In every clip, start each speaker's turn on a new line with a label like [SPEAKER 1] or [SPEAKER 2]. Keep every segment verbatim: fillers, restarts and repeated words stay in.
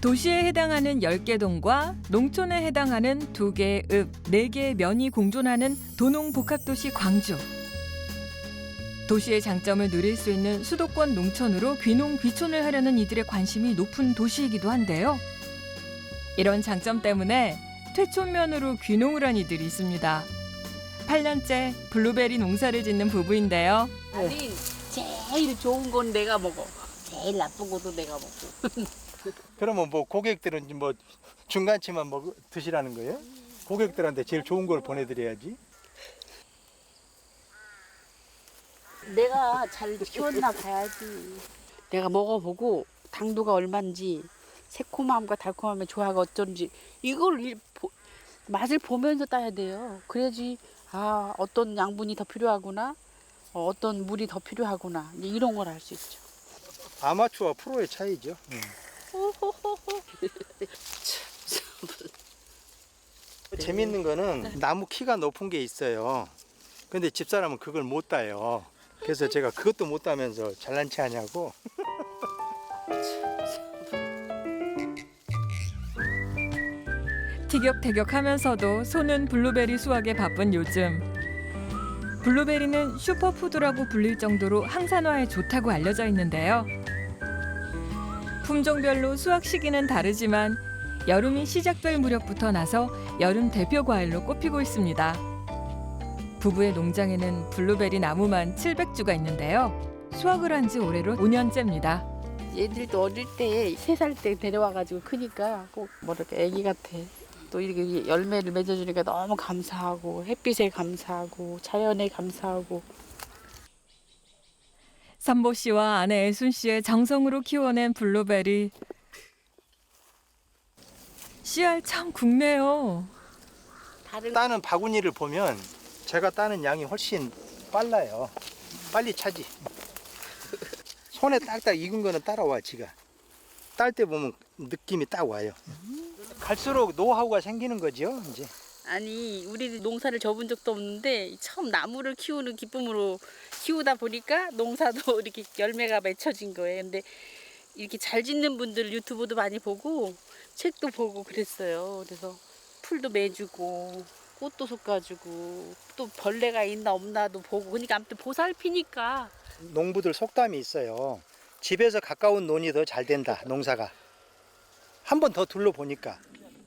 [SPEAKER 1] 도시에 해당하는 열 개 동과 농촌에 해당하는 두 개의 읍, 네 개의 면이 공존하는 도농복합도시 광주. 도시의 장점을 누릴 수 있는 수도권 농촌으로 귀농 귀촌을 하려는 이들의 관심이 높은 도시이기도 한데요. 이런 장점 때문에 퇴촌면으로 귀농을 한 이들이 있습니다. 팔 년째 블루베리 농사를 짓는 부부인데요.
[SPEAKER 2] 아니 제일 좋은 건 내가 먹어. 제일 나쁜 것도 내가 먹고.
[SPEAKER 3] 그러면 뭐 고객들은 뭐 중간치만 먹 드시라는 거예요? 고객들한테 제일 좋은 걸 보내드려야지.
[SPEAKER 2] 내가 잘 키웠나 봐야지. 내가 먹어보고 당도가 얼마인지 새콤함과 달콤함의 조화가 어쩐지 이걸 일, 보, 맛을 보면서 따야 돼요. 그래야지 아 어떤 양분이 더 필요하구나, 어, 어떤 물이 더 필요하구나 이런 걸 알 수 있죠.
[SPEAKER 3] 아마추어와 프로의 차이죠. 음. 재밌는 거는 나무 키가 높은 게 있어요. 근데 집사람은 그걸 못 따요. 그래서 제가 그것도 못 따면서 잘난 체 하냐고.
[SPEAKER 1] 티격태격하면서도 손은 블루베리 수확에 바쁜 요즘. 블루베리는 슈퍼푸드라고 불릴 정도로 항산화에 좋다고 알려져 있는데요. 품종별로 수확 시기는 다르지만 여름이 시작될 무렵부터 나서 여름 대표 과일로 꼽히고 있습니다. 부부의 농장에는 블루베리 나무만 칠백 주가 있는데요. 수확을 한 지 올해로 오 년째입니다.
[SPEAKER 2] 얘들도 어릴 때 세 살 때 데려와가지고 크니까 꼭 뭐 이렇게 애기 같아. 또 이렇게 열매를 맺어주니까 너무 감사하고 햇빛에 감사하고 자연에 감사하고.
[SPEAKER 1] 선보 씨와 아내 애순 씨의 정성으로 키워낸 블루베리. 씨알 참 굵네요.
[SPEAKER 2] 다른
[SPEAKER 3] 따는 바구니를 보면 제가 따는 양이 훨씬 빨라요. 빨리 차지. 손에 딱딱 익은 거는 따라와 지가. 딸 때 보면 느낌이 딱 와요. 갈수록 노하우가 생기는 거죠 이제.
[SPEAKER 2] 아니 우리 농사를 접은 적도 없는데 처음 나무를 키우는 기쁨으로 키우다 보니까 농사도 이렇게 열매가 맺혀진 거예요. 근데 이렇게 잘 짓는 분들 유튜브도 많이 보고 책도 보고 그랬어요. 그래서 풀도 매주고 꽃도 솎아주고 또 벌레가 있나 없나도 보고 그러니까 아무튼 보살피니까.
[SPEAKER 3] 농부들 속담이 있어요. 집에서 가까운 논이 더 잘 된다 농사가. 한 번 더 둘러보니까.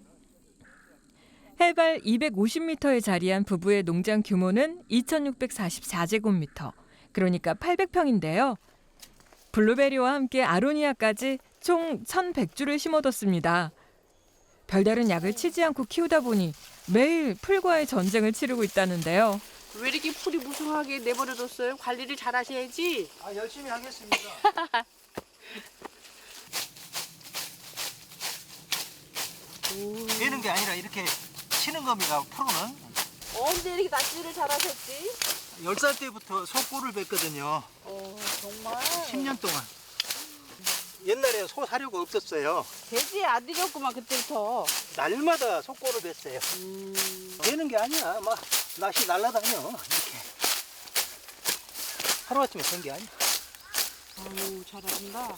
[SPEAKER 1] 해발 이백오십 미터에 자리한 부부의 농장 규모는 이천육백사십사 제곱미터, 그러니까 팔백 평인데요. 블루베리와 함께 아로니아까지 총 천백 주를 심어뒀습니다. 별다른 약을 치지 않고 키우다 보니 매일 풀과의 전쟁을 치르고 있다는데요.
[SPEAKER 2] 왜 이렇게 풀이 무성하게 내버려뒀어요? 관리를 잘 하셔야지.
[SPEAKER 3] 아, 열심히 하겠습니다. 되는 게 아니라 이렇게 치는 겁니다. 프로는.
[SPEAKER 2] 언제 이렇게 낚시를 잘 하셨지?
[SPEAKER 3] 열 살 때부터 소꼬를 뵀거든요.
[SPEAKER 2] 어 정말.
[SPEAKER 3] 십 년 동안. 옛날에 소 사료가 없었어요.
[SPEAKER 2] 돼지 아들이었구만 그때부터.
[SPEAKER 3] 날마다 소꼬를 뵀어요.
[SPEAKER 2] 음.
[SPEAKER 3] 되는 게 아니야. 막 낚시 날라다녀. 이렇게. 하루아침에 된 게 아니야.
[SPEAKER 2] 아유 잘한다.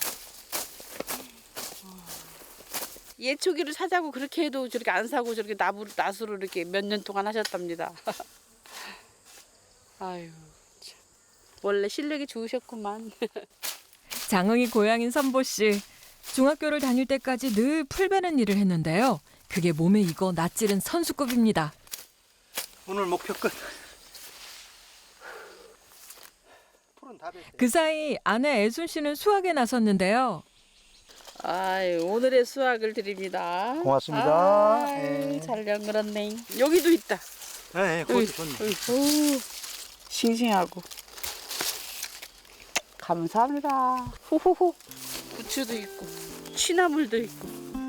[SPEAKER 2] 예초기를 사자고 그렇게 해도 저렇게 안 사고 저렇게 나무 낫으로 이렇게 몇 년 동안 하셨답니다. 아유 참. 원래 실력이 좋으셨구만.
[SPEAKER 1] 장흥이 고향인 선보 씨. 중학교를 다닐 때까지 늘 풀 베는 일을 했는데요. 그게 몸에 익어 낯질은 선수급입니다.
[SPEAKER 3] 오늘 목표 끝. 풀은 다 뵀어요.
[SPEAKER 1] 그 사이 아내 애순 씨는 수학에 나섰는데요.
[SPEAKER 2] 아유 오늘의 수확을 드립니다.
[SPEAKER 3] 고맙습니다.
[SPEAKER 2] 아유,
[SPEAKER 3] 네.
[SPEAKER 2] 잘 연그렸네. 여기도 있다.
[SPEAKER 3] 네, 그것도 좋네.
[SPEAKER 2] 오, 싱싱하고. 감사합니다. 호호호. 부추도 있고, 취나물도 있고.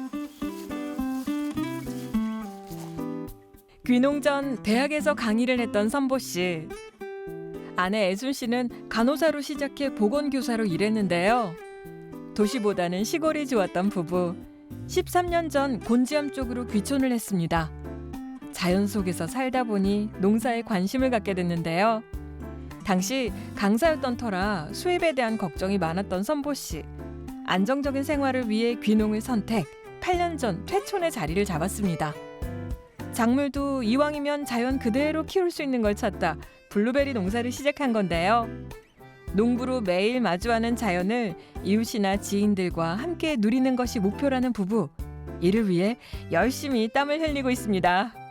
[SPEAKER 1] 귀농 전 대학에서 강의를 했던 선보 씨. 아내 애순 씨는 간호사로 시작해 보건교사로 일했는데요. 도시보다는 시골이 좋았던 부부. 십삼 년 전 곤지암 쪽으로 귀촌을 했습니다. 자연 속에서 살다 보니 농사에 관심을 갖게 됐는데요. 당시 강사였던 터라 수입에 대한 걱정이 많았던 선보 씨. 안정적인 생활을 위해 귀농을 선택. 팔 년 전 퇴촌의 자리를 잡았습니다. 작물도 이왕이면 자연 그대로 키울 수 있는 걸 찾다 블루베리 농사를 시작한 건데요. 농부로 매일 마주하는 자연을 이웃이나 지인들과 함께 누리는 것이 목표라는 부부. 이를 위해 열심히 땀을 흘리고 있습니다.